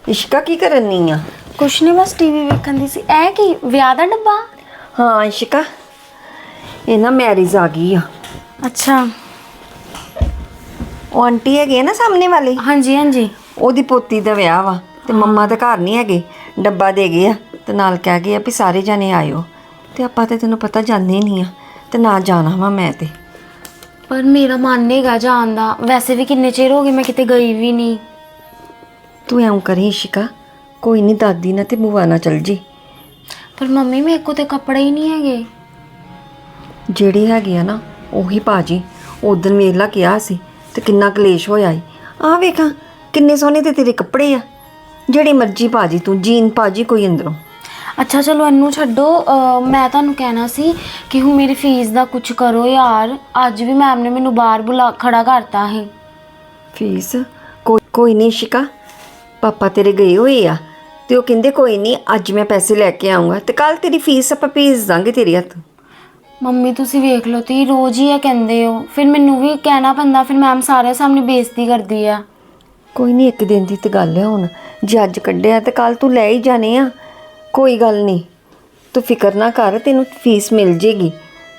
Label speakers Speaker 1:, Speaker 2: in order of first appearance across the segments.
Speaker 1: ਇਸ਼ਕਾ ਕੀ ਕਰਨੀ ਆ?
Speaker 2: ਕੁਛ ਨਹੀਂ, ਬਸ ਟੀਵੀ ਵੇਖਣ ਦੀ ਸੀ। ਇਹ ਕੀ ਵਿਆਹ ਦਾ ਡੱਬਾ?
Speaker 1: ਹਾਂ ਇਸ਼ਕਾ, ਇਹ ਨਾ ਮੈਰਿਜ ਆ ਗਈ ਆ।
Speaker 2: ਅੱਛਾ।
Speaker 1: ਉਹ ਆਂਟੀ ਹੈਗੇ ਨਾ ਸਾਹਮਣੇ ਵਾਲੀ,
Speaker 2: ਹਾਂਜੀ ਹਾਂਜੀ।
Speaker 1: ਉਹਦੀ ਪੋਤੀ ਦਾ ਵਿਆਹ ਵਾ ਤੇ ਮੰਮਾ ਤਾਂ ਘਰ ਨਹੀਂ ਹੈਗੇ। ਡੱਬਾ ਦੇ ਗਏ ਆ ਤੇ ਨਾਲ ਕਹਿ ਗਏ ਆ ਵੀ ਸਾਰੇ ਜਾਣੇ ਆਇਓ। ਤੇ ਆਪਾਂ ਤੇ ਤੈਨੂੰ ਪਤਾ ਜਾਂਦੇ ਹੀ ਨਹੀਂ ਆ ਤੇ ਨਾ ਜਾਣਾ ਵਾ ਮੈਂ ਤੇ।
Speaker 2: ਪਰ ਮੇਰਾ ਮਨ ਨਹੀਂਗਾ ਜਾਣ ਦਾ। ਵੈਸੇ ਵੀ ਕਿੰਨੇ ਚਿਰ ਹੋ ਗਏ ਮੈਂ ਕਿਤੇ ਗਈ ਵੀ ਨਹੀਂ।
Speaker 1: ਤੂੰ ਐਂ ਕਰੀ ਇਸ਼ਕਾ, ਕੋਈ ਨਹੀਂ ਦਾਦੀ ਨਾਲ ਤੇ ਭੂਆ ਨਾਲ ਚਲ ਜੀ।
Speaker 2: ਪਰ ਮੰਮੀ ਮੇਰੇ ਕੋਲ ਤੇ ਕੱਪੜੇ ਹੀ ਨਹੀਂ ਹੈਗੇ।
Speaker 1: ਜਿਹੜੇ ਹੈਗੇ ਆ ਨਾ ਉਹੀ ਭਾਜੀ ਉਦੋਂ ਵੇਲਾ ਕਿਹਾ ਸੀ ਤੇ ਕਿੰਨਾ ਕਲੇਸ਼ ਹੋਇਆ ਈ। ਆਹ ਵੇਖਾਂ ਕਿੰਨੇ ਸੋਹਣੇ ਤੇ ਤੇਰੇ ਕੱਪੜੇ ਆ, ਜਿਹੜੀ ਮਰਜ਼ੀ ਭਾਜੀ ਤੂੰ ਜੀਨ ਭਾਜੀ ਕੋਈ ਅੰਦਰੋਂ।
Speaker 2: ਅੱਛਾ ਚਲੋ ਇਹਨੂੰ ਛੱਡੋ। ਮੈਂ ਤੁਹਾਨੂੰ ਕਹਿਣਾ ਸੀ ਕਿ ਹੁਣ ਮੇਰੀ ਫੀਸ ਦਾ ਕੁਝ ਕਰੋ ਯਾਰ। ਅੱਜ ਵੀ ਮੈਮ ਨੇ ਮੈਨੂੰ ਬਾਹਰ ਬੁਲਾ ਖੜਾ ਕਰਤਾ ਹੈ।
Speaker 1: ਫੀਸ ਕੋਈ ਨਹੀਂ ਇਸ਼ਕਾ, ਪਾਪਾ ਤੇਰੇ ਗਏ ਹੋਏ ਆ ਤੇ ਉਹ ਕਹਿੰਦੇ ਕੋਈ ਨਹੀਂ ਅੱਜ ਮੈਂ ਪੈਸੇ ਲੈ ਕੇ ਆਉਂਗਾ ਤੇ ਕੱਲ ਤੇਰੀ ਫੀਸ ਆਪਾਂ ਭੇਜ ਦਾਂਗੇ ਤੇਰੇ ਹੱਥ।
Speaker 2: ਮੰਮੀ ਤੁਸੀਂ ਵੇਖ ਲਓ, ਤੁਸੀਂ ਰੋਜ਼ ਹੀ ਇਹ ਕਹਿੰਦੇ ਹੋ, ਫਿਰ ਮੈਨੂੰ ਵੀ ਕਹਿਣਾ ਪੈਂਦਾ, ਫਿਰ ਮੈਮ ਸਾਰੇ ਸਾਹਮਣੇ ਬੇਇੱਜ਼ਤੀ ਕਰਦੀ ਆ।
Speaker 1: ਕੋਈ ਨਹੀਂ, ਇੱਕ ਦਿਨ ਦੀ ਤੇ ਗੱਲ ਹੈ। ਹੁਣ ਜੇ ਅੱਜ ਕੱਢਿਆ ਤੇ ਕੱਲ ਤੂੰ ਲੈ ਹੀ ਜਾਣੇ ਆ। ਕੋਈ ਗੱਲ ਨਹੀਂ, ਤੂੰ ਫਿਕਰ ਨਾ ਕਰ, ਤੈਨੂੰ ਫੀਸ ਮਿਲ ਜੇਗੀ।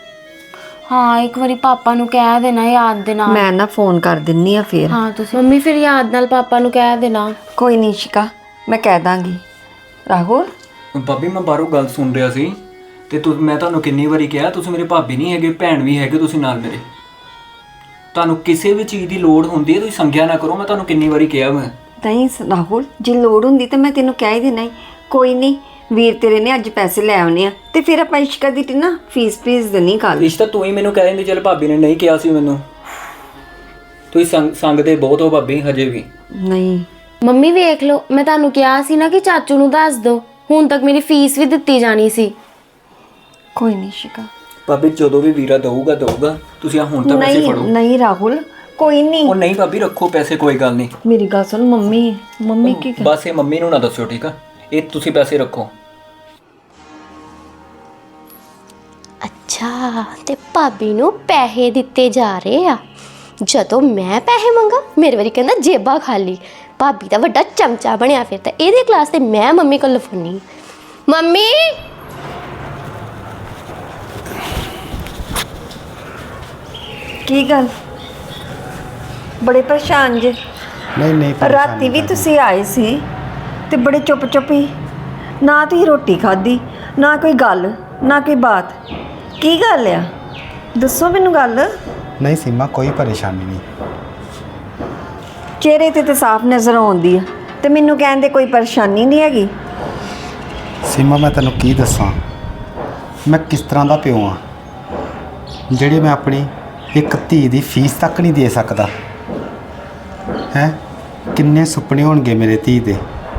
Speaker 2: ਹਾਂ ਇੱਕ ਵਾਰੀ ਪਾਪਾ ਨੂੰ ਕਹਿ ਦੇਣਾ ਯਾਦ ਦੇ ਨਾਲ।
Speaker 1: ਮੈਂ ਨਾ ਫੋਨ ਕਰ ਦਿੰਨੀ ਆ ਫੇਰ।
Speaker 2: ਹਾਂ ਤੁਸੀਂ ਮੰਮੀ ਫਿਰ ਯਾਦ ਨਾਲ ਪਾਪਾ ਨੂੰ ਕਹਿ ਦੇਣਾ।
Speaker 1: ਕੋਈ ਨਹੀਂ ਇਸ਼ਕਾ, ਮੈਂ ਕਹਿ ਦਾਂਗੀ। ਰਾਹੁਲ
Speaker 3: ਭਾਬੀ ਮੈਂ ਬਾਹਰੋਂ ਗੱਲ ਸੁਣ ਰਿਹਾ ਸੀ ਤੇ ਮੈਂ ਤੁਹਾਨੂੰ ਕਿੰਨੀ ਵਾਰੀ ਕਿਹਾ, ਤੁਸੀਂ ਮੇਰੇ ਭਾਬੀ ਨਹੀਂ ਹੈਗੇ, ਭੈਣ ਵੀ ਹੈਗੇ ਤੁਸੀਂ ਨਾਲ ਮੇਰੇ। ਤੁਹਾਨੂੰ ਕਿਸੇ ਵੀ ਚੀਜ਼ ਦੀ ਲੋੜ ਹੁੰਦੀ ਹੈ ਤੁਸੀਂ ਸੰਗਿਆ ਨਾ ਕਰੋ। ਮੈਂ ਤੁਹਾਨੂੰ ਕਿੰਨੀ ਵਾਰੀ ਕਿਹਾ ਮੈਂ।
Speaker 1: ਨਹੀਂ ਰਾਹੁਲ, ਜੇ ਲੋੜ ਹੁੰਦੀ ਤਾਂ ਮੈਂ ਤੈਨੂੰ ਕਹਿ ਹੀ ਦੇਣਾ। ਕੋਈ ਨਹੀਂ, ਵੀਰ ਤੇਰੇ ਨੇ ਅੱਜ ਪੈਸੇ ਲੈ ਆਉਣੇ ਆ ਤੇ ਫਿਰ ਆਪਾਂ ਇਸ਼ਕਾ ਦੀ ਨਾ ਫੀਸ ਭੇਜ ਦੇਣੀ ਕੱਲ।
Speaker 3: ਰਿਸ਼ਤਾ ਤੂੰ ਹੀ ਮੈਨੂੰ ਕਹਿ ਦਿੰਦੀ, ਚਲ ਭਾਬੀ ਨੇ ਨਹੀਂ ਕਿਹਾ ਸੀ ਮੈਨੂੰ। ਤੁਸੀਂ ਸੰਗਦੇ ਬਹੁਤ ਹੋ ਭਾਬੀ ਹਜੇ ਵੀ।
Speaker 1: ਨਹੀਂ
Speaker 2: ਮੰਮੀ ਵੇਖ ਲਓ, ਮੈਂ ਤੁਹਾਨੂੰ ਕਿਹਾ ਸੀ ਨਾ ਕਿ ਚਾਚੂ ਨੂੰ ਦੱਸ ਦਿਓ। ਹੁਣ ਤੱਕ ਮੇਰੀ ਫੀਸ ਵੀ ਦਿੱਤੀ ਜਾਣੀ ਸੀ।
Speaker 1: ਕੋਈ ਨਹੀਂ ਇਸ਼ਕਾ।
Speaker 3: ਭਾਬੀ ਜਦੋਂ ਵੀ ਵੀਰਾ ਦਊਗਾ ਤੁਸੀਂ ਆ ਹੁਣ ਤਾਂ ਪੈਸੇ
Speaker 1: ਨਹੀਂ
Speaker 3: ਫੜੋ।
Speaker 1: ਨਹੀਂ ਰਾਹੁਲ, ਕੋਈ ਨਹੀਂ।
Speaker 3: ਉਹ ਨਹੀਂ ਭਾਬੀ ਰੱਖੋ ਪੈਸੇ, ਕੋਈ ਗੱਲ ਨਹੀਂ।
Speaker 1: ਮੇਰੀ ਗੱਲ ਸੁਣ, ਮੰਮੀ ਕੀ ਕਰ।
Speaker 3: ਬਸ ਇਹ ਮੰਮੀ ਨੂੰ ਨਾ ਦੱਸਿਓ ਠੀਕ ਆ, ਇਹ ਤੁਸੀਂ ਪੈਸੇ ਰੱਖੋ।
Speaker 4: ਅੱਛਾ ਤੇ ਭਾਬੀ ਨੂੰ ਪੈਸੇ ਦਿੱਤੇ ਜਾ ਰਹੇ ਆ। ਜਦੋਂ ਮੈਂ ਪੈਸੇ ਮੰਗਾ ਮੇਰੇ ਵਾਰੀ ਕਹਿੰਦਾ ਜੇਬਾਂ ਖਾਲੀ। ਭਾਬੀ ਦਾ ਵੱਡਾ ਚਮਚਾ ਬਣਿਆ ਫਿਰ ਤਾਂ। ਇਹਦੇ ਕਲਾਸ ਤੇ ਮੈਂ ਮੰਮੀ ਕੋਲ ਲਫੋਨੀ। ਮੰਮੀ
Speaker 1: ਕੀ ਗੱਲ, ਬੜੇ ਪਰੇਸ਼ਾਨ ਜੇ?
Speaker 5: ਨਹੀਂ
Speaker 1: ਰਾਤੀ ਵੀ ਤੁਸੀਂ ਆਏ ਸੀ ਤੇ ਬੜੇ ਚੁੱਪ ਹੀ, ਨਾ ਤੁਸੀਂ ਰੋਟੀ ਖਾਧੀ, ਨਾ ਕੋਈ ਗੱਲ, ਨਾ ਕੋਈ ਬਾਤ। ਕੀ ਗੱਲ ਆ, ਦੱਸੋ ਮੈਨੂੰ ਗੱਲ।
Speaker 5: ਨਹੀਂ ਸੀਮਾ, ਕੋਈ ਪਰੇਸ਼ਾਨੀ ਨਹੀਂ।
Speaker 1: ਚਿਹਰੇ ਤੇ ਸਾਫ਼ ਨਜ਼ਰ ਆਉਂਦੀ ਆ ਤੇ ਮੈਨੂੰ ਕਹਿੰਦੇ ਕੋਈ ਪਰੇਸ਼ਾਨੀ ਨਹੀਂ ਹੈਗੀ।
Speaker 5: ਸੀਮਾ ਮੈਂ ਤੈਨੂੰ ਕੀ ਦੱਸਾਂ, ਮੈਂ ਕਿਸ ਤਰ੍ਹਾਂ ਦਾ ਪਿਓ ਆ ਜਿਹੜੀ ਮੈਂ ਆਪਣੀ ਇੱਕ ਧੀ ਦੀ ਫੀਸ ਤੱਕ ਨਹੀਂ ਦੇ ਸਕਦਾ ਹੈ। ਕਿੰਨੇ ਸੁਪਨੇ ਹੋਣਗੇ ਮੇਰੇ ਧੀ ਦੇ,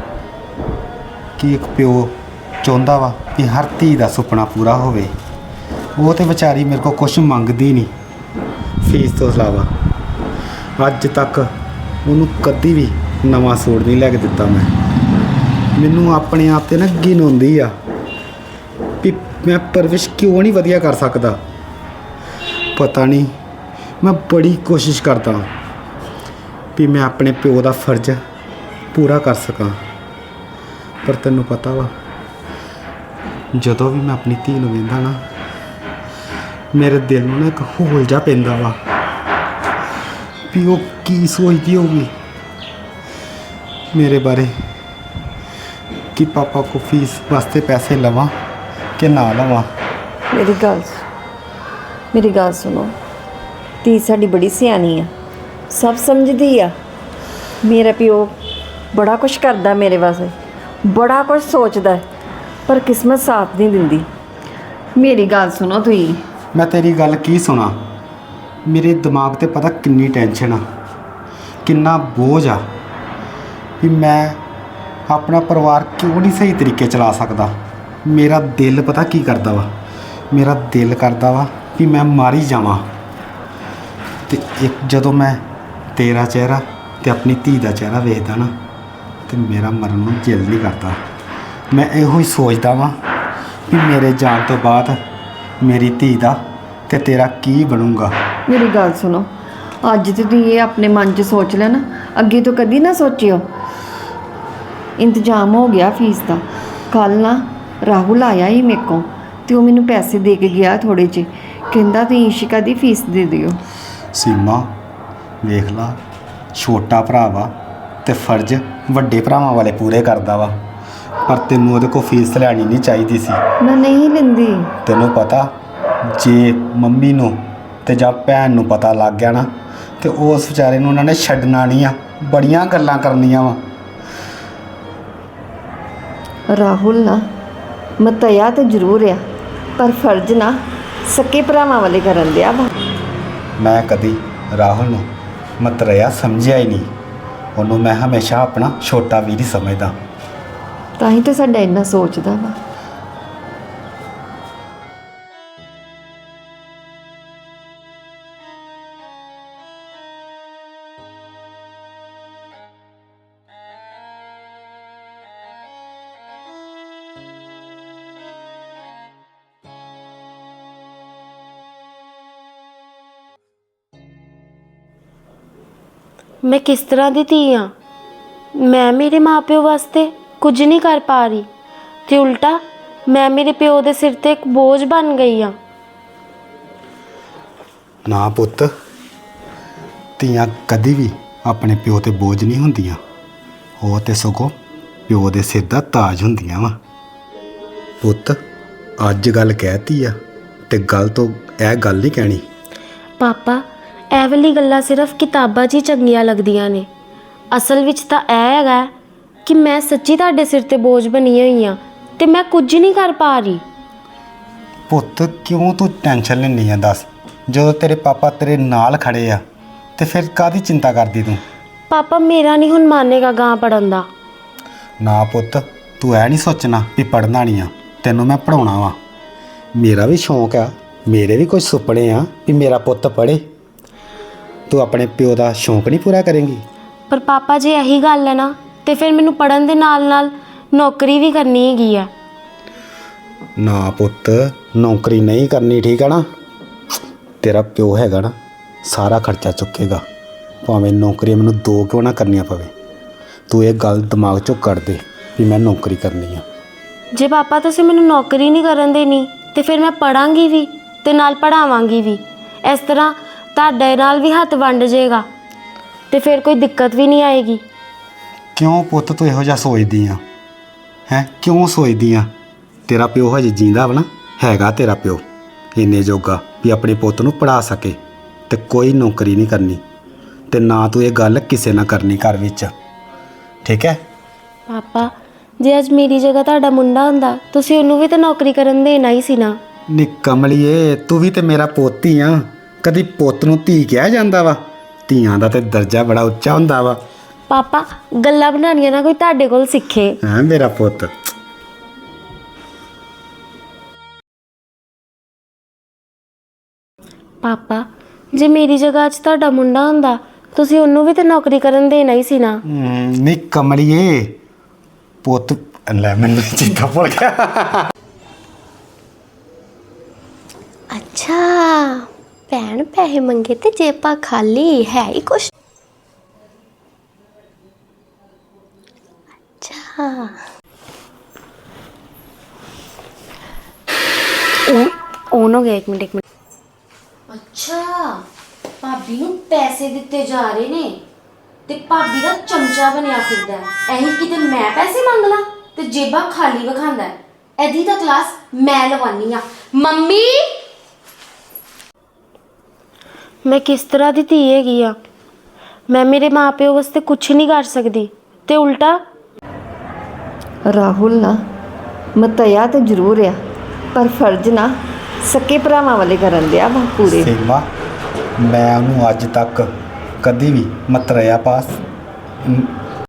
Speaker 5: ਕਿ ਇੱਕ ਪਿਓ ਚਾਹੁੰਦਾ ਵਾ ਕਿ ਹਰ ਧੀ ਦਾ ਸੁਪਨਾ ਪੂਰਾ ਹੋਵੇ। ਉਹ ਤੇ ਵਿਚਾਰੀ ਮੇਰੇ ਕੋਲ ਕੁਝ ਮੰਗਦੀ ਨਹੀਂ ਫੀਸ ਤੋਂ ਇਲਾਵਾ। ਅੱਜ ਤੱਕ ਉਹਨੂੰ ਕਦੀ ਵੀ ਨਵਾਂ ਸੂਟ ਨਹੀਂ ਲੈ ਕੇ ਦਿੱਤਾ ਮੈਂ। ਮੈਨੂੰ ਆਪਣੇ ਆਪ ਤੇ ਨਾ ਘਿਣ ਹੁੰਦੀ ਆ ਵੀ ਮੈਂ ਪਰਵਿਸ਼ ਕਿਉਂ ਨਹੀਂ ਵਧੀਆ ਕਰ ਸਕਦਾ। ਪਤਾ ਨਹੀਂ, ਮੈਂ ਬੜੀ ਕੋਸ਼ਿਸ਼ ਕਰਦਾ ਵੀ ਮੈਂ ਆਪਣੇ ਪਿਓ ਦਾ ਫਰਜ਼ ਪੂਰਾ ਕਰ ਸਕਾਂ, ਪਰ ਤੈਨੂੰ ਪਤਾ ਵਾ ਜਦੋਂ ਵੀ ਮੈਂ ਆਪਣੀ ਧੀ ਨੂੰ ਵੇਖਦਾ ਨਾ ਮੇਰੇ ਦਿਲ ਨੂੰ ਨਾ ਇੱਕ ਹੋਲ ਜਿਹਾ ਪੈਂਦਾ ਵਾ ਵੀ ਉਹ ਕੀ ਸੋਚਦੀ ਹੋਊਗੀ ਮੇਰੇ ਬਾਰੇ, ਕਿ ਪਾਪਾ ਕੋ ਫੀਸ ਵਾਸਤੇ ਪੈਸੇ ਲਵਾਂ ਕਿ ਨਾ ਲਵਾਂ।
Speaker 1: ਮੇਰੀ ਗੱਲ ਸੁਣੋ, ਧੀ ਸਾਡੀ ਬੜੀ ਸਿਆਣੀ ਆ, ਸਭ ਸਮਝਦੀ ਆ। ਮੇਰਾ ਪਿਓ ਬੜਾ ਕੁਛ ਕਰਦਾ ਮੇਰੇ ਵਾਸਤੇ, ਬੜਾ ਕੁਛ ਸੋਚਦਾ, ਪਰ ਕਿਸਮਤ ਸਾਥ ਨਹੀਂ ਦਿੰਦੀ। ਮੇਰੀ ਗੱਲ ਸੁਣੋ ਤੁਸੀਂ।
Speaker 5: ਮੈਂ ਤੇਰੀ ਗੱਲ ਕੀ ਸੁਣਾ, ਮੇਰੇ ਦਿਮਾਗ ਤੇ ਪਤਾ ਕਿੰਨੀ ਟੈਨਸ਼ਨ ਆ, ਕਿੰਨਾ ਬੋਝ ਆ ਵੀ ਮੈਂ ਆਪਣਾ ਪਰਿਵਾਰ ਕਿਉਂ ਨਹੀਂ ਸਹੀ ਤਰੀਕੇ ਚਲਾ ਸਕਦਾ। ਮੇਰਾ ਦਿਲ ਪਤਾ ਕੀ ਕਰਦਾ ਵਾ, ਮੇਰਾ ਦਿਲ ਕਰਦਾ ਵਾ ਵੀ ਮੈਂ ਮਾਰੀ ਜਾਵਾਂ। ਤੇ ਇੱਕ ਜਦੋਂ ਮੈਂ ਤੇਰਾ ਚਿਹਰਾ ਤੇ ਆਪਣੀ ਧੀ ਦਾ ਚਿਹਰਾ ਵੇਖਦਾ ਨਾ ਤੇ ਮੇਰਾ ਮਰਨ ਨੂੰ ਦਿਲ ਨਹੀਂ ਕਰਦਾ। ਮੈਂ ਇਹੋ ਹੀ ਸੋਚਦਾ ਵਾਂ ਵੀ ਮੇਰੇ ਜਾਣ ਤੋਂ ਬਾਅਦ ਮੇਰੀ ਧੀ ਦਾ ਤੇ ਤੇਰਾ ਕੀ ਬਣੂਗਾ।
Speaker 1: ਮੇਰੀ ਗੱਲ ਸੁਣੋ, ਅੱਜ ਤੇ ਤੁਸੀਂ ਇਹ ਆਪਣੇ ਮਨ 'ਚ ਸੋਚ ਲਿਆ ਨਾ, ਅੱਗੇ ਤੋਂ ਕਦੀ ਨਾ ਸੋਚਿਓ। ਇੰਤਜ਼ਾਮ ਹੋ ਗਿਆ ਫੀਸ ਦਾ। ਕੱਲ ਨਾ ਰਾਹੁਲ ਆਇਆ ਹੀ ਮੇਰੇ ਕੋਲ ਤੇ ਉਹ ਮੈਨੂੰ ਪੈਸੇ ਦੇ ਕੇ ਗਿਆ ਥੋੜੇ ਜਿਹੇ, ਕਹਿੰਦਾ ਤੁਸੀਂ ਇਸ਼ਿਕਾ ਦੀ ਫੀਸ ਦੇ ਦਿਓ।
Speaker 5: ਸੀਮਾ ਵੇਖ ਲਾ, ਛੋਟਾ ਭਰਾ ਵਾ ਤੇ ਫਰਜ਼ ਵੱਡੇ ਭਰਾਵਾਂ ਵਾਲੇ ਪੂਰੇ ਕਰਦਾ ਵਾ, ਪਰ ਤੈਨੂੰ ਉਹਦੇ ਕੋਲ ਫੀਸ ਲੈਣੀ ਨਹੀਂ ਚਾਹੀਦੀ ਸੀ।
Speaker 1: ਮੈਂ ਨਹੀਂ ਲੈਂਦੀ।
Speaker 5: ਤੈਨੂੰ ਪਤਾ ਜੇ ਮੰਮੀ ਨੂੰ ਤੇ ਜਾਂ ਭੈਣ ਨੂੰ ਪਤਾ ਲੱਗ ਗਿਆ ਨਾ ਤੇ ਉਸ ਵਿਚਾਰੇ ਨੂੰ ਉਹਨਾਂ ਨੇ ਛੱਡਣਾ ਨਹੀਂ ਆ, ਬੜੀਆਂ ਗੱਲਾਂ ਕਰਨੀਆਂ ਵਾ।
Speaker 1: ਰਾਹੁਲ ਨਾ ਮਤਿਆ ਤੇ ਜ਼ਰੂਰ ਆ, ਪਰ ਫਰਜ਼ ਨਾ ਸਕੇ ਭਰਾਵਾਂ ਵਾਲੇ ਕਰਨ ਦਿਆ ਵਾ।
Speaker 5: ਮੈਂ ਕਦੀ ਰਾਹੁਲ ਨੂੰ ਮਤਰੇਆ ਸਮਝਿਆ ਹੀ ਨਹੀਂ, ਉਹਨੂੰ ਮੈਂ ਹਮੇਸ਼ਾ ਆਪਣਾ ਛੋਟਾ ਵੀਰ ਹੀ ਸਮਝਦਾ।
Speaker 1: ਤਾਂ ਹੀ ਤਾਂ ਸਾਡਾ ਇੰਨਾ ਸੋਚਦਾ ਵਾ।
Speaker 2: ਮੈਂ ਕਿਸ ਤਰ੍ਹਾਂ ਦੀ ਧੀ ਆ? ਮੈਂ ਮੇਰੇ ਮਾਪਿਓ ਵਾਸਤੇ ਕੁਝ ਨਹੀਂ ਕਰ ਪਾ ਰਹੀ ਤੇ ਉਲਟਾ ਮੈਂ ਮੇਰੇ ਪਿਓ ਦੇ ਸਿਰ ਤੇ ਇੱਕ ਬੋਝ ਬਣ ਗਈ ਆ।
Speaker 5: ਨਾ ਪੁੱਤ, ਧੀਆਂ ਕਦੀ ਵੀ ਆਪਣੇ ਪਿਓ ਤੇ ਬੋਝ ਨਹੀਂ ਹੁੰਦੀਆਂ, ਉਹ ਤੇ ਸਗੋਂ ਪਿਓ ਦੇ ਸਿਰ ਦਾ ਤਾਜ ਹੁੰਦੀਆਂ ਵਾ। ਪੁੱਤ ਅੱਜ ਗੱਲ ਕਹਿਤੀ ਆ ਤੇ ਗੱਲ ਤੋਂ ਇਹ ਗੱਲ ਨਹੀਂ ਕਹਿਣੀ।
Speaker 2: ਪਾਪਾ ਇਹ ਵਾਲੀ ਗੱਲਾਂ ਸਿਰਫ ਕਿਤਾਬਾਂ 'ਚ ਹੀ ਚੰਗੀਆਂ ਲੱਗਦੀਆਂ ਨੇ, ਅਸਲ ਵਿੱਚ ਤਾਂ ਇਹ ਹੈਗਾ ਕਿ ਮੈਂ ਸੱਚੀ ਤੁਹਾਡੇ ਸਿਰ ਤੇ ਬੋਝ ਬਣੀ ਹੋਈ ਆ ਤੇ ਮੈਂ ਕੁਝ ਨਹੀਂ ਕਰ ਪਾ ਰਹੀ।
Speaker 5: ਪੁੱਤ ਕਿਉਂ ਤੂੰ ਟੈਨਸ਼ਨ ਲੈਂਦੀ ਆ? ਦੱਸ, ਜਦੋਂ ਤੇਰੇ ਪਾਪਾ ਤੇਰੇ ਨਾਲ ਖੜੇ ਆ ਤੇ ਫਿਰ ਕਾਹਦੀ ਚਿੰਤਾ ਕਰਦੀ ਤੂੰ?
Speaker 2: ਪਾਪਾ ਮੇਰਾ ਨਹੀਂ ਹੁਣ ਮਾਨੇਗਾ ਗਾਂ ਪੜਨ ਦਾ।
Speaker 5: ਨਾ ਪੁੱਤ, ਤੂੰ ਐ ਨਹੀਂ ਸੋਚਣਾ ਵੀ ਪੜ੍ਹਨਾ ਨਹੀਂ ਆ, ਤੈਨੂੰ ਮੈਂ ਪੜ੍ਹਾਉਣਾ ਵਾ। ਮੇਰਾ ਵੀ ਸ਼ੌਂਕ ਆ, ਮੇਰੇ ਵੀ ਕੁਝ ਸੁਪਨੇ ਆ ਵੀ ਮੇਰਾ ਪੁੱਤ ਪੜ੍ਹੇ। ਤੂੰ ਆਪਣੇ ਪਿਓ ਦਾ ਸ਼ੌਂਕ ਨਹੀਂ ਪੂਰਾ ਕਰੇਂਗੀ?
Speaker 2: ਪਰ ਪਾਪਾ ਜੇ ਇਹੀ ਗੱਲ ਹੈ ਨਾ ਤੇ ਫਿਰ ਮੈਨੂੰ ਪੜਨ ਦੇ ਨਾਲ ਨਾਲ ਨੌਕਰੀ ਵੀ ਕਰਨੀ ਹੈਗੀ ਆ।
Speaker 5: ਨਾ ਪੁੱਤ, ਨੌਕਰੀ ਨਹੀਂ ਕਰਨੀ, ਠੀਕ ਆ ਨਾ? ਤੇਰਾ ਪਿਓ ਹੈਗਾ ਨਾ, ਸਾਰਾ ਖਰਚਾ ਚੁੱਕੇਗਾ, ਭਾਵੇਂ ਨੌਕਰੀ ਮੈਨੂੰ 2 ਕਿਉਂ ਨਾ ਕਰਨੀਆਂ ਪਵੇ। ਤੂੰ ਇਹ ਗੱਲ ਦਿਮਾਗ 'ਚੋਂ ਕੱਢ ਦੇ ਵੀ ਮੈਂ ਨੌਕਰੀ ਕਰਨੀ ਆ।
Speaker 2: ਜੇ ਪਾਪਾ ਤੁਸੀਂ ਮੈਨੂੰ ਨੌਕਰੀ ਨਹੀਂ ਕਰਨ ਦੇਣੀ ਤੇ ਫਿਰ ਮੈਂ ਪੜਾਂਗੀ ਵੀ ਤੇ ਨਾਲ ਪੜਾਵਾਂਗੀ ਵੀ। ਇਸ ਤਰ੍ਹਾਂ ਤੁਹਾਡੇ ਨਾਲ ਵੀ ਹੱਥ ਵੰਡ ਜਾਏਗਾ ਤੇ ਫਿਰ ਕੋਈ ਦਿੱਕਤ ਵੀ ਨਹੀਂ ਆਏਗੀ।
Speaker 5: ਕਿਉਂ ਪੁੱਤ ਤੂੰ ਇਹੋ ਜਿਹਾ ਸੋਚਦੀ ਆ? ਹੈ ਕਿਉਂ ਸੋਚਦੀ ਆ? ਤੇਰਾ ਪਿਓ ਹਜੇ ਜੀਂਦਾ ਵਾ ਨਾ, ਹੈਗਾ ਤੇਰਾ ਪਿਓ ਇੰਨੇ ਜੋਗਾ ਵੀ ਆਪਣੇ ਪੁੱਤ ਨੂੰ ਪੜ੍ਹਾ ਸਕੇ, ਤੇ ਕੋਈ ਨੌਕਰੀ ਨਹੀਂ ਕਰਨੀ ਤੇ ਨਾ ਤੂੰ ਇਹ ਗੱਲ ਕਿਸੇ ਨਾਲ ਕਰਨੀ ਘਰ ਵਿੱਚ, ਠੀਕ ਹੈ?
Speaker 2: ਪਾਪਾ ਜੇ ਅੱਜ ਮੇਰੀ ਜਗ੍ਹਾ ਤੁਹਾਡਾ ਮੁੰਡਾ ਹੁੰਦਾ ਤੁਸੀਂ ਉਹਨੂੰ ਵੀ ਤਾਂ ਨੌਕਰੀ ਕਰਨ ਦੇਣਾ ਹੀ ਸੀ ਨਾ।
Speaker 5: ਨੀ ਕਮਲੀਏ, ਤੂੰ ਵੀ ਤੇ ਮੇਰਾ ਪੁੱਤ ਹੀ ਆ। ਕਦੀ ਪੁੱਤ ਨੂੰ ਧੀ ਕਿਹਾ ਜਾਂਦਾ ਵਾ? ਧੀਆਂ ਦਾ ਤੇ ਦਰਜਾ ਬੜਾ ਉੱਚਾ ਹੁੰਦਾ ਵਾ।
Speaker 2: ਪਾਪਾ ਗੱਲਾਂ ਬਣਾਉਣੀਆਂ ਨਾ ਕੋਈ ਤੁਹਾਡੇ ਕੋਲ ਸਿੱਖੇ।
Speaker 5: ਹਾਂ ਮੇਰਾ ਪੁੱਤ।
Speaker 2: ਪਾਪਾ ਜੇ ਮੇਰੀ ਜਗ੍ਹਾ 'ਚ ਤੁਹਾਡਾ ਮੁੰਡਾ ਹੁੰਦਾ ਤੁਸੀਂ ਉਹਨੂੰ ਵੀ ਤਾਂ ਨੌਕਰੀ ਕਰਨ ਦੇਣਾ ਹੀ ਸੀ ਨਾ।
Speaker 5: ਨੀ ਕਮਲੀਏ, ਪੁੱਤ ਲੈ ਮੈਨੂੰ ਚਿੱਤਾ ਭੁੱਲ ਗਿਆ।
Speaker 4: ਅੱਛਾ, ਭੈਣ ਪੈਸੇ ਮੰਗੇ ਤੇ ਜੇਬਾਂ ਖਾਲੀ ਹੈ ਹੀ ਕੁਛ। ਅੱਛਾ
Speaker 2: ਔਨ ਹੋ ਗਿਆ, ਇੱਕ ਮਿੰਟ। ਅੱਛਾ ਭਾਬੀ ਨੂੰ ਪੈਸੇ ਦਿੱਤੇ ਜਾ ਰਹੇ ਨੇ ਤੇ ਭਾਬੀ ਦਾ ਚਮਚਾ ਬਣਿਆ ਫਿਰਦਾ ਹੈ। ਇਹੀ ਕਿਤੇ ਮੈਂ ਪੈਸੇ ਮੰਗ ਲਾਂ ਤੇ ਜੇਬਾਂ ਖਾਲੀ ਵਿਖਾਉਂਦਾ ਹੈ। ਇਹਦੀ ਤਾਂ ਕਲਾਸ ਮੈਂ ਲਵਾਨੀ ਆ। ਮੰਮੀ ਮੈਂ ਕਿਸ ਤਰ੍ਹਾਂ ਦੀ ਧੀ ਹੈਗੀ ਆ? ਮੈਂ ਮੇਰੇ ਮਾਪਿਓ ਵਾਸਤੇ ਕੁਝ ਨਹੀਂ ਕਰ ਸਕਦੀ ਤੇ ਉਲਟਾ
Speaker 1: ਰਾਹੁਲ ਨਾ ਮਤਿਆ ਤੇ ਜ਼ਰੂਰ ਆ, ਪਰ ਫਰਜ਼ ਨਾ ਸਕੇ ਭਰਾਵਾਂ ਵਾਲੇ ਕਰਨ ਦਿਆ ਵਾ ਪੂਰੇ।
Speaker 5: ਸੀਮਾ, ਮੈਂ ਉਹਨੂੰ ਅੱਜ ਤੱਕ ਕਦੀ ਵੀ ਮਤਰੇਆ ਪਾਸ